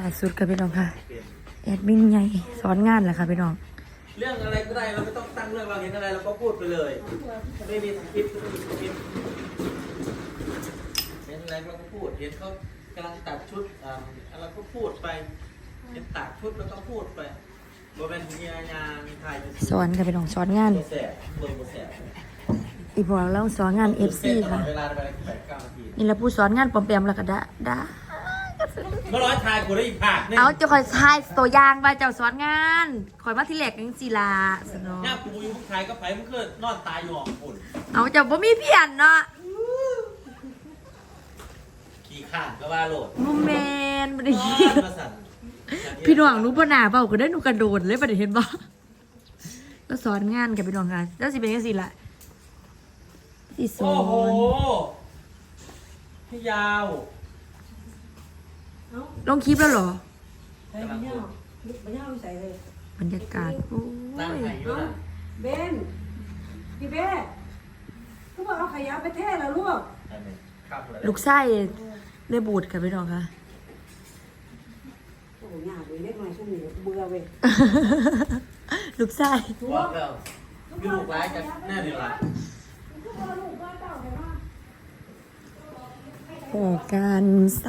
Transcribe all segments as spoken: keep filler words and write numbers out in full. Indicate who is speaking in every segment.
Speaker 1: าสุดกับพี่น้องค่ะแอดมินใหญ่สอนงานแหละค่ะพี่น้อง
Speaker 2: เรื่องอะไรก็ได้เราไม่ต้องตั้งเรื่องเราเห็นอะไรเราก็พูดไปเลยไม่มีสคริปต์ไม่มีสคริปต์เห็นอะไรเราก็พูดเห็นเขากำลังตัดชุดอ่าเราก็พูดไปเห็นตัดชุดเราก็พูดไปโมเมนต์มีงานมีถ่าย
Speaker 1: สอนกับพี่น้องสอนงาน
Speaker 2: โมแสบเบอร์โมแสบ
Speaker 1: อีพวกเราสอนงานเอฟซีค่ะ
Speaker 2: เวลาไปแปดเก้านาที
Speaker 1: นี่แหละผู้สอนงานปอมแปมแล้วก็ดาดา
Speaker 2: เมื่อร้อยทายกูได้อีกผักนี่
Speaker 1: เอาจะคอยทายตัวอย่างว่าเจ้าสอนงานคอยมาที่แหลกยังจีลาสนอ
Speaker 2: เนี่ยกูอยู่ผู้ชายก็ไปมึงก็นอนตายอยู่อ่ะคุณ
Speaker 1: เอาเจ้าบ่มีเพียนเนาะ
Speaker 2: ขี่ข้านก็ว่าโหลด
Speaker 1: บ่แม่นบ่ได้
Speaker 2: น
Speaker 1: ยิ
Speaker 2: อน นมาสั่น
Speaker 1: พี่น้องรู้บ่หน้าเปล่าก็ได้หนูกระโดดเลยบ่ได้เห็นบ่ก็สอนงานกับพี่น้องค่ะแล้วสิเป็นจังซี่ล่ะสิสอ
Speaker 2: โอ้โห
Speaker 1: น
Speaker 2: ให้ยาว
Speaker 1: ลงคลิปแล้วเหรอ
Speaker 3: ใส่มันยาวมันยาวใส่เลย
Speaker 1: บรรยากาศโอ้
Speaker 2: ตั้ง
Speaker 1: ย
Speaker 2: ไข่อยู่นะ
Speaker 3: เบนพี่เบนเขาบอกเอาขยะไปเทแล้วลูก
Speaker 2: ครับเลย
Speaker 1: ลูกไส้ได้บูดกับพี่น้องค่ะ
Speaker 3: โอ้โหยากเลยเล็กน้อยช่วงนี้เบื่อเว้ย
Speaker 1: ลูกไส้
Speaker 2: บอกแล้วมีลูกร้ายกันแน่เลยล่ะ
Speaker 1: โอ้การใส่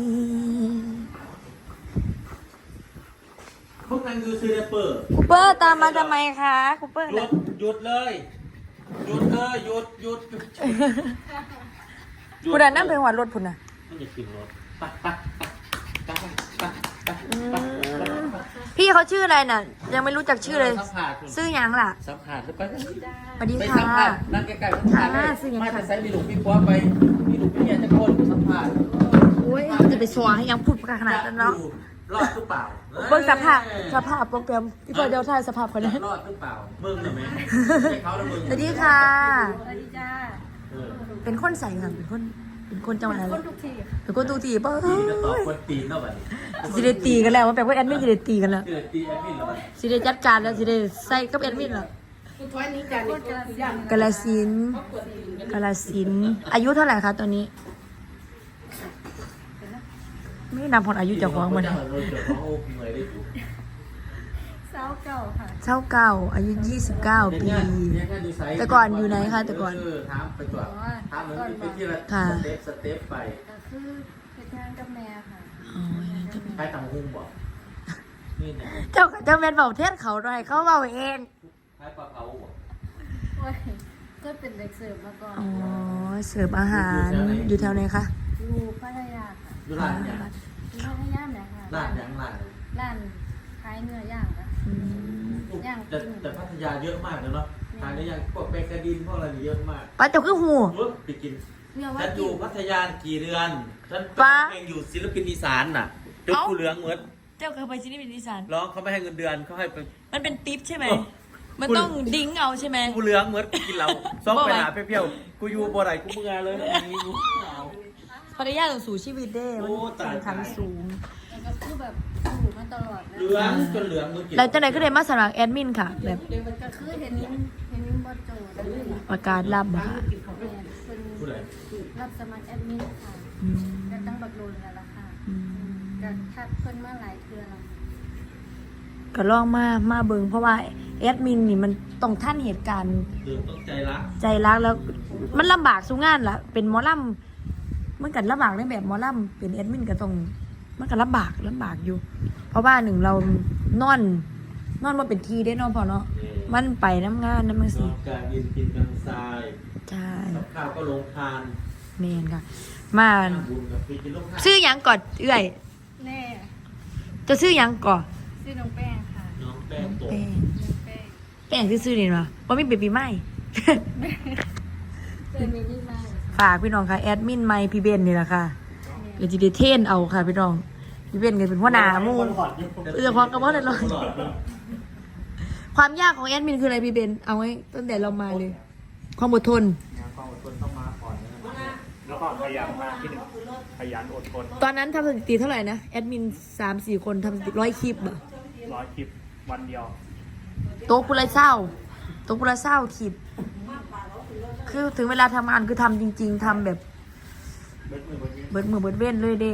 Speaker 2: พวกนั้นคือซีเรเปอร์
Speaker 1: คูเปอร์ตามมาทำไมคะคูเปอร์
Speaker 2: หยุ
Speaker 1: น่ะ
Speaker 2: ดหยุดเลยหยุดเลยหยุดหยุดหยุด
Speaker 1: ผู้ใดนั่งเป็นหัวรถพุ่นน่ะ
Speaker 2: มันจะขึ้นรถไปไปไปไปไปไป
Speaker 1: อื
Speaker 2: ไป
Speaker 1: มพี่เขาชื่ออะไรน่ะ ยังไม่รู้จักชื่อเลย
Speaker 2: สัมผัส
Speaker 1: ชื่อหยังล่ะ
Speaker 2: สัมผัสไป
Speaker 1: สวัสดี
Speaker 2: ไป
Speaker 1: ค่ะ
Speaker 2: สัมผัสนั่งใกล้ๆสัมผัสเลย
Speaker 1: อ่าซื้อยังไง
Speaker 2: มาจะใช้มีหลุมมีปัวไปมีหลุมมีเนี่ยจะโคนสัมผัส
Speaker 1: โอ้ยจะไปสวให้ยังพูดประขนาดนั้นเนาะ
Speaker 2: รอดหรือเปล่า
Speaker 1: เบิ่งสภาพสภาพโปรแกรมพี่พอเดียวถ่ายสภาพคนนั้น
Speaker 2: รอดหรือเปล่ามึงเหรอแม่ใช่เขาแล้วมึง
Speaker 1: สวัสดีค่ะ
Speaker 3: สวัสดีจ้า
Speaker 2: เออ
Speaker 1: เป็นคนใส่ค่ะเป็นคนเป็นคนจังหวัดอะไร
Speaker 3: คนทุกที
Speaker 1: เป็นคนตูตีป่ะ
Speaker 2: ตีจะตอบคนตีนเท่าไหร่
Speaker 1: สิได้ตีกันแล้วว่าแปลว่าแอดมินสิได้ตีกันแล้ว
Speaker 2: เกิดตีแอดมินแล้วมัน
Speaker 1: สิได้จัดการแล้วสิได้ใส่กับแอดมินแล้ว
Speaker 3: คุณท้อยนี้จ้านี่ก็ย่าง
Speaker 1: กาลสินธุ์กาลสินธุ์อายุเท่าไหร่คะตอนนี้ ไม่นำผลอายุเจากของมัน
Speaker 2: เจ้าเราเจอเขาเหนื่อยได้ถูก
Speaker 3: สาวเก่าค่ะ
Speaker 1: เท่าเก้าอายุยี่สิบเก้าปี แต่ก่อนอยู่ไหนคะแต่ก่อน
Speaker 2: เออถามไปก่อนถามเหมือนไปที่ละ
Speaker 1: ค่ะ
Speaker 2: สเต็ปสเต็ปไป
Speaker 3: ก็คือเป็นงานกับแม่ค่ะ
Speaker 1: อ๋อ
Speaker 2: ใครต่างหุ้มบอกนี่เนี่ย
Speaker 1: เจ้าเจ้าแมนเบาเทศเขาหน่อยเขาเบาเอง
Speaker 2: ใครปลาเผาบอก
Speaker 3: โอ้ยก็เป็นเด็กเสิร์ฟมาก่อน
Speaker 1: อ๋อเสิร์ฟอาหารอยู่แถวไหนคะ
Speaker 3: อยู่พัทยาค่ะ
Speaker 2: ดูร้านเนี่ย
Speaker 3: อยู่พัทยาเนี่ยค่ะ
Speaker 2: ร้านยังร้าน
Speaker 3: ร้านขายเนื้อย่างค่ะ
Speaker 1: อืม
Speaker 3: ย่าง
Speaker 2: แต่แต่พัทยาเยอะมากเลยเนาะทานได้ยังพวกเบเกอดินพวกอะไรเยอะมาก
Speaker 1: ป้าเจ้าคือหู
Speaker 2: เออไปกิน
Speaker 3: เรือว่า
Speaker 2: ฉันอ
Speaker 3: กิ
Speaker 2: ยู่
Speaker 3: น
Speaker 2: พัทยากี่เดือนฉัน
Speaker 1: ป๊า
Speaker 2: เองอยู่ศิลปินอีสานน่ะจกกูเหลืองเหมือน
Speaker 1: เจ้าเคยไปที่นี่เป็นอีสาน
Speaker 2: ร้องเขาไม่ให้เงินเดือนเขาให้ไป
Speaker 1: มันเป็นทิปใช่ไหม
Speaker 2: เออ
Speaker 1: มันต้องดิ้งเอาใช่ไหม
Speaker 2: กูเหลืองเหมือนกินเหล้าซ้อม
Speaker 1: บ่
Speaker 2: ไป
Speaker 1: ไหว
Speaker 2: หาเปรี้ยวๆกูอยู่บ่ไหนกูเมื่อเลยนะนี่กูเอา
Speaker 1: ภรรยาต้องสู่ชีวิตเด้มัน
Speaker 2: โอ้ตาย
Speaker 1: แข่งขันสูง
Speaker 3: แล้วก็คือแบบอยู่มาตลอดนะ
Speaker 2: เหลืองจนเหลืองเหมือนกิน
Speaker 1: แล้วเจ้าไหนก็เลยมาสมัครแอดมินค่ะ แบบ
Speaker 3: ก็คือเห็นนิ้มเห็นนิ้มบอสโจแล้วเลย
Speaker 1: ประกาศรับอะค่ะ
Speaker 3: แม่เป็น
Speaker 2: ผู้ใด
Speaker 3: รับสมัครแอดมินค่ะ
Speaker 1: อืม
Speaker 3: ก็ตั้งบักโดนแล้วล่ะค่ะ
Speaker 1: อืม
Speaker 3: ก็ทักเพิ่นมาหลายเทื่อแล้ว
Speaker 1: ก็ลองมามาเบิงเพราะว่าแอดมินนี่มันต้องท่านเหตุการณ์
Speaker 2: เหลืองต้องใจรัก
Speaker 1: ใจรักแล้ว มันลำบากสู้งานละเป็นหมอลำมันกันลำบากในแบบหมอลำเป็นแอดมินก็ต้องมันก็ลำบากลำบากอยู่ เพราะว่าหนึ่งเรานอน นอนมาเป็นทีได้เนอนพอเนาะมันไปน้ำงานน้ำมัน
Speaker 2: น
Speaker 1: สิ
Speaker 2: อนกลางดินกินกลางทราย
Speaker 1: ใช่
Speaker 2: กับข้าวก็ลงทาน
Speaker 1: เมนค่ะ มา
Speaker 2: ทำบุญกับพี่กินลงทาน
Speaker 1: ซื้อหยังก่อนเอื่อย
Speaker 3: แน่
Speaker 1: จะซื้อหยังก่อน
Speaker 3: ชื่อน้องแป้งค่ะ
Speaker 2: น้องแป้งโต
Speaker 1: แป้ง
Speaker 3: น้องแป้ง
Speaker 1: แป้งซื้อๆนี่เนาะเพราะมีเบบีใหม่
Speaker 3: เป็นเมนี่มาก
Speaker 1: ฝากพี่น้องค่ะแอดมินไมค์พี่เบนนี่แหละค่ะเดี๋ยวจะได้เทรนเอาค่ะพี่น้องพี่เบนก็เป็นหัวหน้าหมูเออพอกับว่าเลยความยากของแอดมินคืออะไรพี่เบนเอาไว้ตั้งแต่เรามาเลย ความอดทน
Speaker 4: งานความอดทนต้องมาก่อนนะครับแล้วก็พยายามมากที่หนึ่งขยันอดทน
Speaker 1: ตอนนั้นทำสถิติเท่าไหร่นะแอดมินสามสี่คนทำสถิติร้อยคลิปอะ
Speaker 4: ร้อยคลิปวันเดียว
Speaker 1: โต๊ะกุละเศร้าโต๊ะกุละเศร้าคลิป คือถึงเวลาทำงานคือทำจริง ๆทำแบบ
Speaker 4: เบิดมือเบิดเงิน
Speaker 1: เบิดมือเบิดเว้นเลยเด้
Speaker 3: แ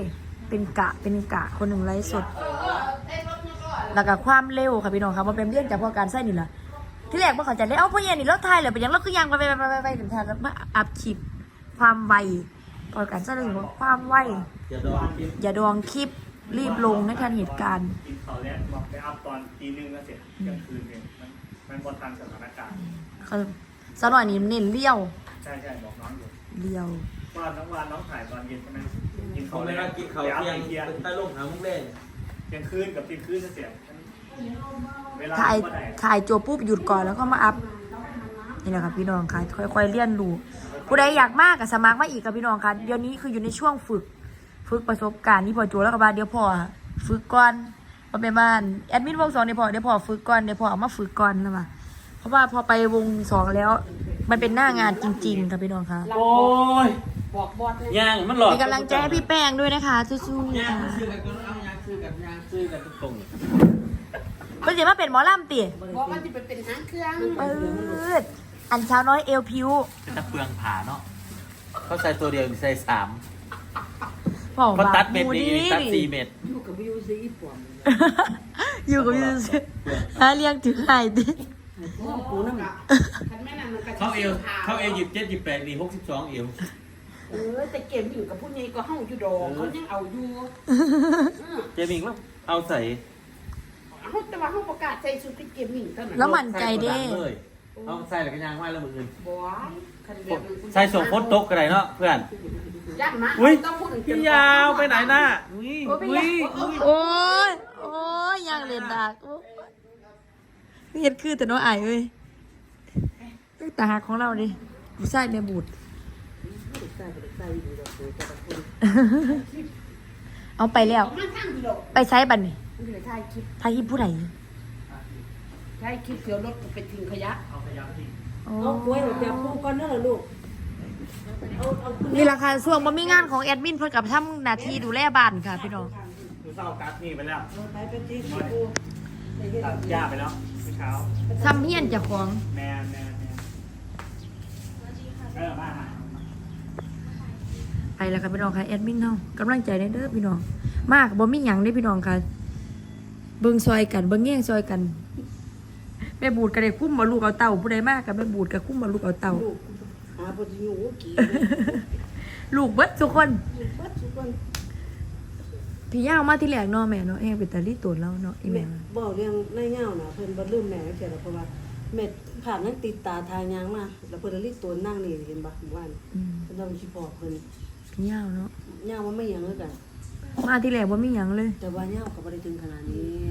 Speaker 1: เป็นกะเป็นกะคนหนึ่งไลฟ์สดแล้วก็ความเร็วค่ะพี่น้องครับมันเป็นเรื่องจากพวกการใส่นี่แหละที่แรกว่าเขาจะเลยเอาพ่อเย็นนี่รถไทยเลยไปยังรถคือยังไปไปไปไปไปถึงทางแล้วมาอัพคลิปความไวพอการใส่เรื่องของความไว
Speaker 2: อย่าดองกิน
Speaker 1: อย่าดองคลิปรีบลงในทันเหตุการณ์
Speaker 4: กินเขาแล้วบอกไปอัพตอนตีหนึ่งก็เสร็จเที่ยงคืนเนี่ยมันมันบนทันสถานการณ์
Speaker 1: เขาสกหน่อยนี่เน้นเลี้ยว
Speaker 4: ใช่ใช่บอกน้องอยู่
Speaker 1: เลี้ยว
Speaker 4: ว่าน้องวานน้องถ่ายตอนเย็นใช่ไหมกิน
Speaker 2: เขา
Speaker 4: เขา
Speaker 2: ไม่
Speaker 4: แล้ว
Speaker 2: ได้กินเขา
Speaker 4: ไปอัพ
Speaker 2: เที่ยง
Speaker 4: เที่ยง
Speaker 2: เป็นใต้ร่มหามุ้งเล่น
Speaker 4: เที่ยงคืนกับเที่ยงคืนจะเสร็จเวลา
Speaker 1: ถ่าย
Speaker 4: ก็ได้
Speaker 1: ถ่ายจบปุ๊บหยุดก่อนแล้วก็มาอัพนี่แหละครับพี่น้องค่ะค่อยๆเรียนรู้ผู้ใดอยากมากกับสมัครมาอีกกับพี่น้องค่ะเดี๋ยวนี้คืออยู่ในช่วงฝึก ฝึกประสบการณ์ที่พอโจแล้วก็บาเดี๋ยวพอฝึกก่อนพอไปบ้านแอดมินวงสองเดี๋ยวพอเดี๋ยวพอฝึกก่อนเดี๋ยวพอเอามาฝึกก่อนนะมาเพราะว่าพอไปวงสองแล้ว มันเป็นหน้างานจริงๆค่ะพี่น้องค่ะ
Speaker 2: โอ้ย
Speaker 3: บอกบอสเลย
Speaker 2: ย่างมันหลอด
Speaker 1: มีกำลังใจให้พี่แป้งด้วยนะคะสู้ๆ
Speaker 2: ย่าง
Speaker 1: ค่ะ
Speaker 2: ซื้อกันก็เอาย่างซื้อกันย่างซื้อกันทุกตรง
Speaker 1: เพิ่นสิมาเป็นหมอลำติ
Speaker 3: บอกว่าจะไปเป็นหางเครื่อง
Speaker 1: เปิดอันเช้าน้อยเอวพิว
Speaker 2: เป็นตะเปืองผาเนาะเขาใส่ตัวเดียวใส่สาม
Speaker 1: พ่อ
Speaker 2: เขา
Speaker 1: บา
Speaker 2: ตั
Speaker 1: ป
Speaker 2: ดเม็ด
Speaker 1: หมู
Speaker 2: นี่
Speaker 1: ดี
Speaker 2: ตัดสี่เม็ด
Speaker 3: อยู่กับวิวซีอีปอม
Speaker 1: อยู่กับยูซิหาเลี้ยงถือไห้ดิ
Speaker 3: พ่อกูนั่นคันแม่นั่นมันก็
Speaker 2: เขาเอวเขาเอวหยิบเจ็ดหยิบแปดนี่หกสิบสองเอว
Speaker 3: เออแต่เกมอยู่กับผู้นี้ก็เฮาอยู่ดอกเขายังเอาอยู่
Speaker 2: เจมิงแล้วเอาใส่
Speaker 3: เฮาแต่ว่าเฮาประกาศใส่ชุดเป็นเกมมิ่งเท่านั้น
Speaker 1: แล้วมั่นใจเด้
Speaker 2: เลยเอาใส่แล้วก็ย่างไว้แล้วมืออื่น
Speaker 3: บ่คันแบบนั้น
Speaker 2: ใส่ส่งโพสต์โต๊ะก็ได้เนาะเพื่อน
Speaker 3: ย่านมา
Speaker 2: อุ้ย
Speaker 3: ต้องพูดถึง
Speaker 2: พี่ยาวไปไหนน่ะอุ้ยอุ้ย
Speaker 1: โอ้ยโอ้ยอยางเล่นดักโอ้ยเฮ็ดคือแต่น้อยอายเอ้ยเป็นตาหักของเราดิผู้ชายแม่บูด
Speaker 3: ใส่ไปใส่อยู่ดอกโดยแต่ละคน
Speaker 1: เอาไปแล้ว
Speaker 3: มาทางอยู่ดอก
Speaker 1: ไปใช้บัดนี่
Speaker 3: มันเลยถ่ายคลิป
Speaker 1: ทายอีผู้ใด
Speaker 3: ถ่ายคลิปเดี๋ยวรถก็ไปทิ้งขยะ
Speaker 4: เอาขยะทิ้ง
Speaker 1: โอ้
Speaker 3: เอากล้วยแบบปูก่อนเด้อลูกเอาเอา
Speaker 1: นี่ราคาช่วงบ่มีงานของแอดมินเพิ่นกับทำหน้าที่ดูแลบ้านค่ะพี่น้อง
Speaker 4: ดูเศร้ากัดนี่ไปแล้ว
Speaker 3: ไปไปทิ้งปู
Speaker 4: ตัดหญ้าไปแล้วเมื่อเช้า
Speaker 1: ทำเฮียนเจ้าของ
Speaker 4: แมนแมนแมนเออมาหา
Speaker 1: ไปแล้วค่ะพี่น้องค่ะแอดมินเฮากำลังใจเด้อพี่น้อง มากบ่มีหยังเด้อพี่น้องค่ะเบิ่งซอยกันเบิ่งแย่งซอยกันแม่บูดก็ได้คุ้มบ่ลูกเอาเต่าผู้ใดมากก็แม่บูดก็คุ้มบ่ลูกเอาเต่า
Speaker 3: ลูกหาบทอยู่กี่
Speaker 1: ลูกเบิดทุกคน
Speaker 3: เบิดทุกคน
Speaker 1: พี่ย่าวมาที่แรกเนาะแม่เนาะแฮงเป็นตาลีตูนแล้วเนาะอีแม่
Speaker 3: บอกเรื่องในเงาน่ะเพิ่นบ่ลืมแม่เสียแล้วเพราะว่าเม็ดผ่านนั้นติดตาทางยางมาแล้วเพิ่นรีบตัวนั่งนี่เห็นบ่ว่า
Speaker 1: อืม
Speaker 3: เพิ่นต้องสิบอกเพิ่น
Speaker 1: พี่ย่าวเนาะ
Speaker 3: ยางว่าไม่หยังเลยกัน
Speaker 1: มาที่แรกบ่มีหยังเลย
Speaker 3: แต่ว่ายางก็บ่ได้ถึงขนาดนี้